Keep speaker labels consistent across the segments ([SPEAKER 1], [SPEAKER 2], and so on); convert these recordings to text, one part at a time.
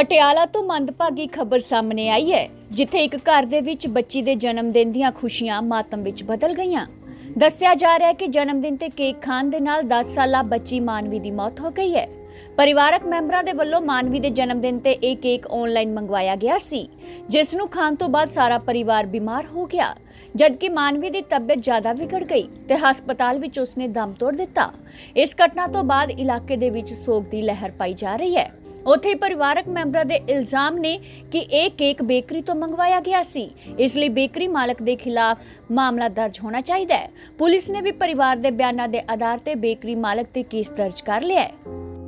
[SPEAKER 1] ਪਟਿਆਲਾ ਤੋਂ ਮੰਦਭਾਗੀ ਖਬਰ ਸਾਹਮਣੇ ਆਈ ਹੈ, ਜਿੱਥੇ ਇੱਕ ਘਰ ਦੇ ਵਿੱਚ ਬੱਚੀ ਦੇ ਜਨਮ ਦਿਨ ਦੀਆਂ ਖੁਸ਼ੀਆਂ ਮਾਤਮ ਵਿੱਚ ਬਦਲ ਗਈਆਂ। ਦੱਸਿਆ ਜਾ ਰਿਹਾ ਹੈ ਕਿ ਜਨਮ ਦਿਨ ਤੇ ਕੇਕ ਖਾਣ ਦੇ ਨਾਲ 10 ਸਾਲਾ ਬੱਚੀ ਮਾਨਵੀ ਦੀ ਮੌਤ ਹੋ ਗਈ ਹੈ। ਪਰਿਵਾਰਕ ਮੈਂਬਰਾਂ ਦੇ ਵੱਲੋਂ ਮਾਨਵੀ ਦੇ ਜਨਮ ਦਿਨ ਤੇ ਇਹ ਕੇਕ ਆਨਲਾਈਨ ਮੰਗਵਾਇਆ ਗਿਆ ਸੀ, ਜਿਸ ਨੂੰ ਖਾਣ ਤੋਂ ਬਾਅਦ ਸਾਰਾ ਪਰਿਵਾਰ ਬਿਮਾਰ ਹੋ ਗਿਆ, ਜਦਕਿ ਮਾਨਵੀ ਦੀ ਤਬੀਅਤ ਜ਼ਿਆਦਾ ਵਿਗੜ ਗਈ ਤੇ ਹਸਪਤਾਲ ਵਿੱਚ ਉਸਨੇ ਦਮ ਤੋੜ ਦਿੱਤਾ। ਇਸ ਘਟਨਾ ਤੋਂ ਬਾਅਦ ਇਲਾਕੇ ਦੇ ਵਿੱਚ ਸੋਗ ਦੀ ਲਹਿਰ ਪਾਈ ਜਾ ਰਹੀ ਹੈ। ਉੱਥੇ ਪਰਿਵਾਰਕ ਮੈਂਬਰਾਂ ਦੇ ਇਲਜ਼ਾਮ ਨੇ ਕਿ ਇਹ ਕੇਕ ਬੇਕਰੀ ਤੋਂ ਮੰਗਵਾਇਆ ਗਿਆ ਸੀ, ਇਸ ਲਈ ਬੇਕਰੀ ਮਾਲਕ ਦੇ ਖਿਲਾਫ ਮਾਮਲਾ ਦਰਜ ਹੋਣਾ ਚਾਹੀਦਾ ਹੈ। ਪੁਲਿਸ ਨੇ ਵੀ ਪਰਿਵਾਰ ਦੇ ਬਿਆਨਾਂ ਦੇ ਆਧਾਰ ਤੇ ਬੇਕਰੀ ਮਾਲਕ ਤੇ ਕੇਸ ਦਰਜ ਕਰ ਲਿਆ ਹੈ।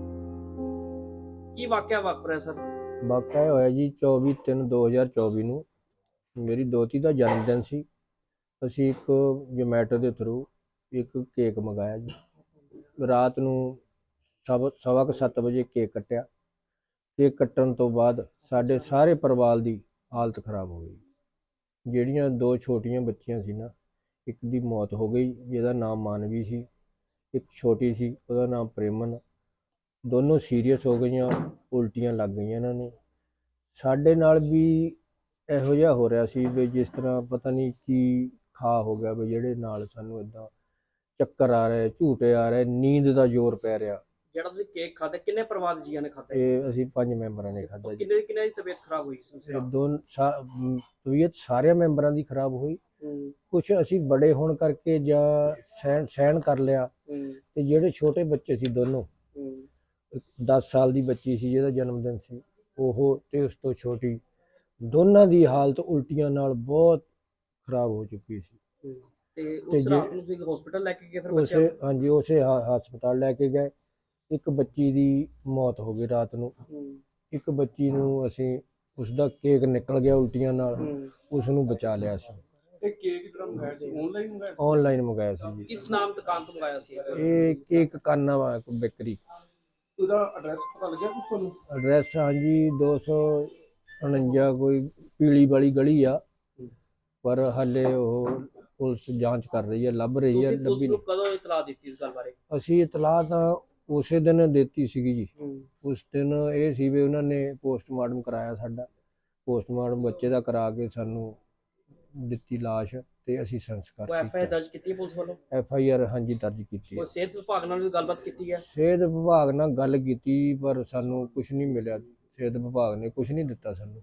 [SPEAKER 2] ਕੀ ਵਾਕਿਆ ਵਾਪਰਿਆ ਸਰ?
[SPEAKER 3] ਵਾਕਿਆ ਹੋਇਆ ਜੀ 24/3/2024 ਨੂੰ ਮੇਰੀ ਦੋਤੀ ਦਾ ਜਨਮ ਦਿਨ ਸੀ। ਅਸੀਂ ਇੱਕ ਜੋਮੈਟੋ ਦੇ ਥਰੂ ਇੱਕ ਕੇਕ ਮੰਗਾਇਆ ਜੀ। ਰਾਤ ਨੂੰ 7:15 ਵਜੇ ਕੇਕ ਕੱਟਿਆ। ਕੇਕ ਕੱਟਣ ਤੋਂ ਬਾਅਦ ਸਾਡੇ ਸਾਰੇ ਪਰਿਵਾਰ ਦੀ ਹਾਲਤ ਖਰਾਬ ਹੋ ਗਈ। ਜਿਹੜੀਆਂ ਦੋ ਛੋਟੀਆਂ ਬੱਚੀਆਂ ਸੀ ਨਾ, ਇੱਕ ਦੀ ਮੌਤ ਹੋ ਗਈ ਜਿਹਦਾ ਨਾਮ ਮਾਨਵੀ ਸੀ, ਇੱਕ ਛੋਟੀ ਸੀ ਉਹਦਾ ਨਾਮ ਪ੍ਰੇਮਨ। ਦੋਨੋਂ ਸੀਰੀਅਸ ਹੋ ਗਈਆਂ, ਉਲਟੀਆਂ ਲੱਗ ਗਈਆਂ ਇਹਨਾਂ ਨੂੰ। ਸਾਡੇ ਨਾਲ ਵੀ ਇਹੋ ਜਿਹਾ ਹੋ ਰਿਹਾ ਸੀ ਵੀ ਜਿਸ ਤਰ੍ਹਾਂ ਪਤਾ ਨਹੀਂ ਕੀ ਖਾ ਹੋ ਗਿਆ ਵੀ ਜਿਹੜੇ ਨਾਲ ਸਾਨੂੰ ਇੱਦਾਂ ਚੱਕਰ ਆ ਰਹੇ, ਝੂਟੇ ਆ ਰਹੇ, ਨੀਂਦ ਦਾ ਜ਼ੋਰ ਪੈ ਰਿਹਾ।
[SPEAKER 2] ਜਿਹੜਾ ਤੁਸੀਂ ਕੇਕ ਖਾਧਾ ਕਿੰਨੇ ਪਰਿਵਾਰ ਦੇ ਜੀਆਂ ਨੇ ਖਾਧਾ?
[SPEAKER 3] ਇਹ ਅਸੀਂ 5 ਮੈਂਬਰਾਂ ਨੇ ਖਾਧਾ ਜੀ।
[SPEAKER 2] ਕਿੰਨੇ ਦੀ ਤਬੀਅਤ ਖਰਾਬ ਹੋਈ ਸੀ?
[SPEAKER 3] ਤਬੀਅਤ ਸਾਰਿਆਂ ਮੈਂਬਰਾਂ ਦੀ ਖਰਾਬ ਹੋਈ। ਕੁਛ ਅਸੀਂ ਬੜੇ ਹੋਣ ਕਰਕੇ ਜਾਂ ਸਹਿਣ ਕਰ ਲਿਆ, ਤੇ ਜਿਹੜੇ ਛੋਟੇ ਬੱਚੇ ਸੀ ਦੋਨੋਂ, 10 ਸਾਲ ਦੀ ਬੱਚੀ ਸੀ ਜਿਹਦਾ ਜਨਮ ਦਿਨ ਸੀ ਉਹ, ਤੇ ਉਸ ਤੋਂ ਛੋਟੀ, ਦੋਨਾਂ ਦੀ ਹਾਲਤ ਉਲਟੀਆਂ ਨਾਲ ਬਹੁਤ ਖਰਾਬ ਹੋ ਚੁੱਕੀ ਸੀ।
[SPEAKER 2] ਤੇ ਉਸ ਰਾਤ ਨੂੰ ਤੁਸੀਂ ਹਸਪੀਟਲ ਲੈ ਕੇ ਗਏ? ਫਿਰ ਬੱਚਿਆਂ
[SPEAKER 3] ਉਸੇ ਹਾਂਜੀ ਉਸੇ ਹਸਪਤਾਲ ਲੈ ਕੇ ਗਏ। ਇੱਕ ਬੱਚੀ ਦੀ ਮੌਤ ਹੋ ਗਈ ਰਾਤ ਨੂੰ। ਇੱਕ ਬੱਚੀ ਨੂੰ ਅਸੀਂ, ਉਸ ਦਾ ਕੇਕ ਨਿਕਲ ਗਿਆ ਉਲਟੀਆਂ ਨਾਲ, ਉਸ ਨੂੰ ਬਚਾ ਲਿਆ ਸੀ।
[SPEAKER 4] ਇਹ ਕੇਕ ਜਿਹੜਾ ਮੰਗਾਇਆ ਸੀ ਆਨਲਾਈਨ ਮੰਗਾਇਆ ਸੀ?
[SPEAKER 3] ਆਨਲਾਈਨ ਮੰਗਾਇਆ ਸੀ ਜੀ।
[SPEAKER 2] ਕਿਸ ਨਾਮ ਦੁਕਾਨ ਤੋਂ ਮੰਗਾਇਆ ਸੀ?
[SPEAKER 3] ਇਹ ਕੇਕ ਕਾਨਾ ਵਾ ਬੇਕਰੀ।
[SPEAKER 4] ਉਹਦਾ ਐਡਰੈਸ ਪਤਾ ਲੱਗਿਆ ਕੁਝ ਤੁਹਾਨੂੰ?
[SPEAKER 3] ਐਡਰੈਸ ਹਾਂਜੀ 249 ਕੋਈ ਪੀਲੀ ਵਾਲੀ ਗਲੀ ਆ, ਪਰ ਹਾਲੇ ਉਹ ਪੁਲਿਸ ਜਾਂਚ ਕਰ ਰਹੀ ਹੈ, ਲੱਭ ਰਹੀ ਹੈ।
[SPEAKER 2] ਪੁਲਿਸ ਨੂੰ ਕਦੋਂ ਇਤਲਾਹ ਦਿੱਤੀ ਇਸ ਗੱਲ ਬਾਰੇ?
[SPEAKER 3] ਅਸੀਂ ਇਤਲਾਹ ਤਾਂ ਉਸੇ ਦਿਨ ਦਿੱਤੀ ਸੀਗੀ ਜੀ। ਉਸ ਦਿਨ ਇਹ ਸੀ ਵੀ ਉਹਨਾਂ ਨੇ ਪੋਸਟਮਾਰਟਮ ਕਰਾਇਆ ਸਾਡਾ। ਪੋਸਟਮਾਰਟਮ ਬੱਚੇ ਦਾ ਕਰਾ ਕੇ ਸਾਨੂੰ ਦਿੱਤੀ ਲਾਸ਼, ਤੇ ਅਸੀਂ ਸੰਸਕਾਰ ਕੀਤਾ।
[SPEAKER 2] ਐਫਆਈਆਰ ਦਰਜ ਕੀਤੀ ਪੁਲਿਸ ਵੱਲੋਂ?
[SPEAKER 3] ਐਫਆਈਆਰ ਹਾਂਜੀ ਦਰਜ ਕੀਤੀ।
[SPEAKER 2] ਉਹ ਸਿਹਤ ਵਿਭਾਗ ਨਾਲ ਵੀ ਗੱਲਬਾਤ ਕੀਤੀ ਹੈ?
[SPEAKER 3] ਸਿਹਤ ਵਿਭਾਗ ਨਾਲ ਗੱਲ ਕੀਤੀ, ਪਰ ਸਾਨੂੰ ਕੁਝ ਨਹੀਂ ਮਿਲਿਆ। ਸਿਹਤ ਵਿਭਾਗ ਨੇ ਕੁਝ ਨਹੀਂ ਦਿੱਤਾ ਸਾਨੂੰ।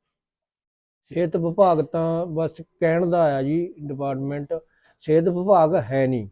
[SPEAKER 3] ਸਿਹਤ ਵਿਭਾਗ ਤਾਂ ਬਸ ਕਹਿਣ ਦਾ ਆਇਆ ਜੀ, ਡਿਪਾਰਟਮੈਂਟ ਸਿਹਤ ਵਿਭਾਗ ਹੈ ਨਹੀਂ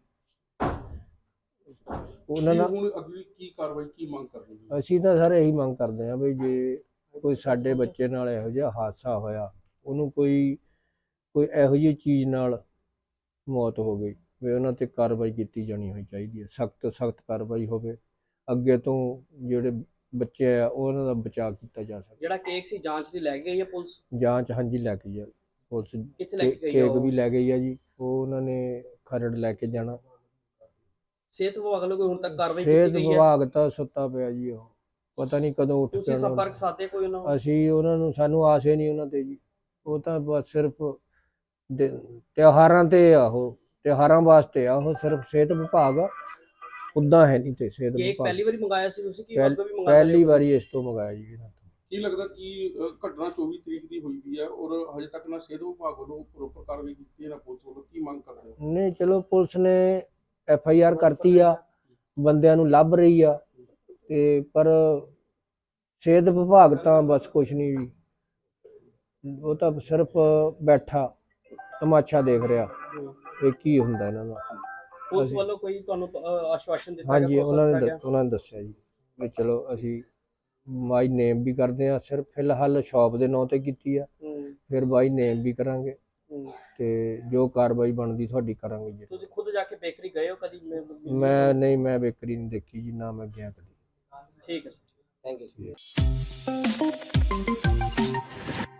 [SPEAKER 3] ਉਹਨਾਂ ਨਾਲ।
[SPEAKER 4] ਹੁਣ ਅਗਲੀ ਕੀ ਕਾਰਵਾਈ, ਕੀ ਮੰਗ ਕਰਦੇ ਹੋ?
[SPEAKER 3] ਅਸੀਂ ਤਾਂ ਸਾਰੇ ਇਹੀ ਮੰਗ ਕਰਦੇ ਹਾਂ ਵੀ ਜੇ ਕੋਈ ਸਾਡੇ ਬੱਚੇ ਨਾਲ ਇਹੋ ਜਿਹਾ ਹਾਦਸਾ ਹੋਇਆ, ਉਹਨੂੰ ਕੋਈ ਇਹੋ ਜਿਹੀ ਚੀਜ਼ ਨਾਲ ਮੌਤ ਹੋ ਗਈ, ਵੀ ਉਹਨਾਂ 'ਤੇ ਕਾਰਵਾਈ ਕੀਤੀ ਜਾਣੀ ਹੋਈ ਚਾਹੀਦੀ ਹੈ। ਸਖਤ ਤੋਂ ਸਖਤ ਕਾਰਵਾਈ ਹੋਵੇ, ਅੱਗੇ ਤੋਂ ਜਿਹੜੇ ਬੱਚੇ ਆ ਉਹਨਾਂ ਦਾ ਬਚਾਅ ਕੀਤਾ ਜਾ ਸਕੇ।
[SPEAKER 2] ਜਿਹੜਾ ਕੇਕ ਸੀ ਜਾਂਚ ਦੀ ਲੈ ਕੇ ਗਈ ਹੈ ਪੁਲਿਸ?
[SPEAKER 3] ਜਾਂਚ ਹਾਂਜੀ ਲੈ ਕੇ ਜਾ ਪੁਲਿਸ।
[SPEAKER 2] ਕਿੱਥੇ ਲੈ ਕੇ ਗਈ?
[SPEAKER 3] ਕੇਕ ਵੀ ਲੈ ਗਈ ਆ ਜੀ, ਉਹ ਉਹਨਾਂ ਨੇ ਖਰੜ ਲੈ ਕੇ ਜਾਣਾ।
[SPEAKER 2] ਸਿਹਤ ਵਿਭਾਗ ਵੱਲੋਂ ਕੋਈ ਹੁਣ ਤੱਕ ਕਾਰਵਾਈ
[SPEAKER 3] ਸਿਹਤ
[SPEAKER 2] ਕੀਤੀ ਗਈ ਹੈ?
[SPEAKER 3] ਵਿਭਾਗ ਤਾਂ ਸੁੱਤਾ ਪਿਆ ਜੀ, ਉਹ ਪਤਾ ਨਹੀਂ ਕਦੋਂ ਉੱਠ
[SPEAKER 2] ਤੁਸੀਂ
[SPEAKER 3] ਕੇ
[SPEAKER 2] ਸੰਪਰਕ ਸਾਧੇ ਕੋਈ ਉਹਨਾਂ ਨਾਲ?
[SPEAKER 3] ਅਸੀਂ ਉਹਨਾਂ ਨੂੰ, ਸਾਨੂੰ ਆਸ ਹੀ ਨਹੀਂ ਉਹਨਾਂ ਤੇ ਜੀ। ਉਹ ਤਾਂ ਬਸ ਸਿਰਫ ਤਿਉਹਾਰਾਂ ਤੇ ਆ, ਉਹ ਤਿਉਹਾਰਾਂ ਵਾਸਤੇ ਆ, ਉਹ ਸਿਰਫ ਸਿਹਤ ਵਿਭਾਗ ਉੱਦਾਂ ਹੈ ਨਹੀਂ। ਤੇ ਸਿਹਤ
[SPEAKER 2] ਕੇਕ
[SPEAKER 3] ਵਿਭਾਗ
[SPEAKER 2] ਪਹਿਲੀ ਵਾਰੀ ਮੰਗਾਇਆ ਸੀ ਤੁਸੀਂ ਕਿ ਅੱਗੇ ਵੀ ਮੰਗਾਇਆ?
[SPEAKER 3] ਪਹਿਲੀ ਵਾਰੀ ਇਸ ਤੋਂ ਮੰਗਾਇਆ ਜੀ ਇਹਨਾਂ ਤੋਂ।
[SPEAKER 4] ਕੀ ਲੱਗਦਾ ਕਿ ਘਟਨਾ 24 ਤਰੀਕ ਦੀ ਹੋਈ ਵੀ ਹੈ ਔਰ ਹਜੇ ਤੱਕ ਨਾ ਸਿਹਤ ਵਿਭਾਗ ਵੱਲੋਂ ਪ੍ਰੋਪਰ ਕਾਰਵਾਈ ਕੀਤੀ ਹੈ ਨਾ ਪੁਲਿਸ ਵੱਲੋਂ? ਕੀ ਮੰਗ ਕਰਦੇ ਹੋ?
[SPEAKER 3] ਨਹੀਂ ਚਲੋ ਪੁਲਿਸ ਨੇ ਐਫਆਈਆਰ ਕਰਤੀ ਆ, ਬੰਦਿਆਂ ਨੂੰ ਲੱਭ ਰਹੀ ਆ, ਤੇ ਪਰ ਸਿਹਤ ਵਿਭਾਗ ਤਾਂ ਬਸ ਕੁਛ ਨਹੀਂ ਜੀ, ਉਹ ਤਾਂ ਸਿਰਫ ਬੈਠਾ ਤਮਾਸ਼ਾ ਦੇਖ ਰਿਹਾ ਵੀ ਕੀ ਹੁੰਦਾ ਇਹਨਾਂ ਦਾ।
[SPEAKER 2] ਪੁਲਿਸ ਵੱਲੋਂ ਕੋਈ ਤੁਹਾਨੂੰ ਆਸ਼ਵਾਸਨ ਦਿੱਤਾ?
[SPEAKER 3] ਹਾਂਜੀ ਉਹਨਾਂ ਨੇ ਦੱਸਿਆ ਜੀ ਵੀ ਚਲੋ ਅਸੀਂ ਬਾਈ ਨੇਮ ਵੀ ਕਰਦੇ ਆ, ਸਿਰਫ ਫਿਲਹਾਲ ਸ਼ਾਪ ਦੇ ਨਾਂ ਤੇ ਕੀਤੀ ਆ, ਫਿਰ ਬਾਈ ਨੇਮ ਵੀ ਕਰਾਂਗੇ, ਤੇ ਜੋ ਕਾਰਵਾਈ ਬਣਦੀ ਤੁਹਾਡੀ ਕਰਾਂਗੇ ਜੀ।
[SPEAKER 2] ਤੁਸੀਂ ਖੁਦ ਜਾ ਕੇ ਬੇਕਰੀ ਗਏ ਹੋ ਕਦੀ?
[SPEAKER 3] ਮੈਂ ਬੇਕਰੀ ਨਹੀਂ ਦੇਖੀ ਜੀ, ਨਾ ਮੈਂ ਗਿਆ ਕਦੀ।
[SPEAKER 2] ਠੀਕ ਹੈ ਸਰ, ਥੈਂਕ ਯੂ।